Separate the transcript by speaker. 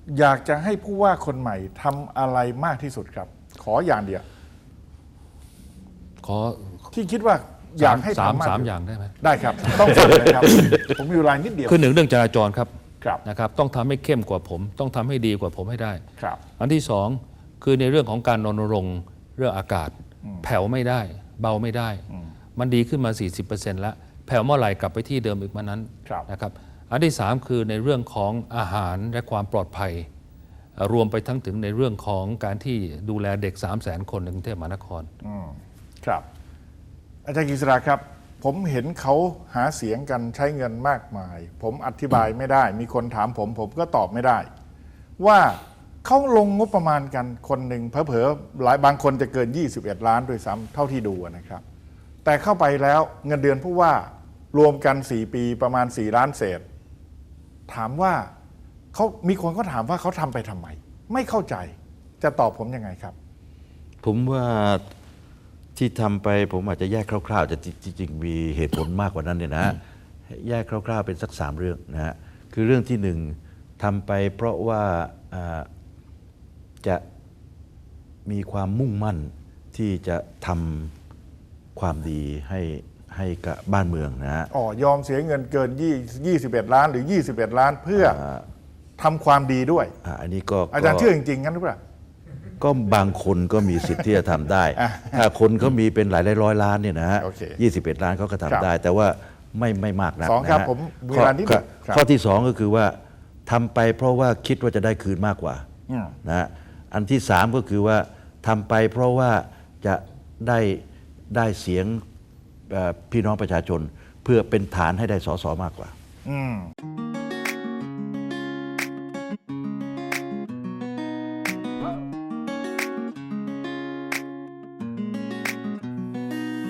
Speaker 1: อยากจะให้ผู้ว่าคนใหม่ทำอะไรมากที่สุดครับ ขออย่างเดียว
Speaker 2: ขอ
Speaker 1: ที่คิดว่าอยากให้ทำมาก
Speaker 2: สามอย่างได้ไหม
Speaker 1: ได้ครับต้องฟังเลยครับ ผมมีเวลานิดเดียว
Speaker 2: คือหนึ่งเรื่องจราจรครับ
Speaker 1: ครับ
Speaker 2: นะครับต้องทำให้เข้มกว่าผมต้องทำให้ดีกว่าผมให้ได้
Speaker 1: ครับ
Speaker 2: อันที่สองคือในเรื่องของการรณรงค์เรื่องอากาศแผ่วไม่ได้เบาไม่ได้ มันดีขึ้นมา 40% แล้วแผ่วเมื่อไหร่กลับไปที่เดิมอีกมานั้นนะครับอันที่สามคือในเรื่องของอาหารและความปลอดภัยรวมไปทั้งถึงในเรื่องของการที่ดูแลเด็ก 300,000 คนในกรุงเทพมหานคร
Speaker 1: ครับอาจารย์กฤษณาครับผมเห็นเขาหาเสียงกันใช้เงินมากมาย ผมอธิบายไม่ได้มีคนถามผมก็ตอบไม่ได้ ว่าเขาลงงบประมาณกันคนหนึ่งเผลอๆหลายบางคนจะเกิน21 ล้านด้วยซ้ำเท่าที่ดูนะครับแต่เข้าไปแล้วเงินเดือนผู้ว่ารวมกัน4 ปีประมาณ4 ล้านเศษถามว่าเขามีคนก็ถามว่าเขาทำไปทำไมไม่เข้าใจจะตอบผมยังไงครับ
Speaker 3: ผมว่าที่ทำไปผมอาจจะแยกคร่าวๆจะจริงๆมีเหตุผลมากกว่านั้นเนี่ยนะแยกคร่าวๆเป็นสัก3 เรื่องนะฮะคือเรื่องที่1ทำไปเพราะว่าจะมีความมุ่งมั่นที่จะทำความดีให้กับบ้านเมืองนะฮะ
Speaker 1: ยอมเสียเงินเกิน21 ล้านหรือ21 ล้านเพื่อทำความดีด้วย
Speaker 3: อันนี้ก็
Speaker 1: อาจารย์เชื่อจริงๆงั้นหรือเปล่า
Speaker 3: ก็บางคนก็มีสิทธิ์ที่จะทำได้ถ้าคนเขามีเป็นหลายร้อยล้านเนี่ยนะฮะ21 ล้านเขาก็ทำได้แต่ว่าไม่มากนัก
Speaker 1: นะฮะ
Speaker 3: ข้อที่2ก็คือว่าทำไปเพราะว่าคิดว่าจะได้คืนมากกว่านะฮะอันที่3ก็คือว่าทำไปเพราะว่าจะได้เสียงพี่น้องประชาชนเพื่อเป็นฐานให้ได้ส.ส.มากกว่า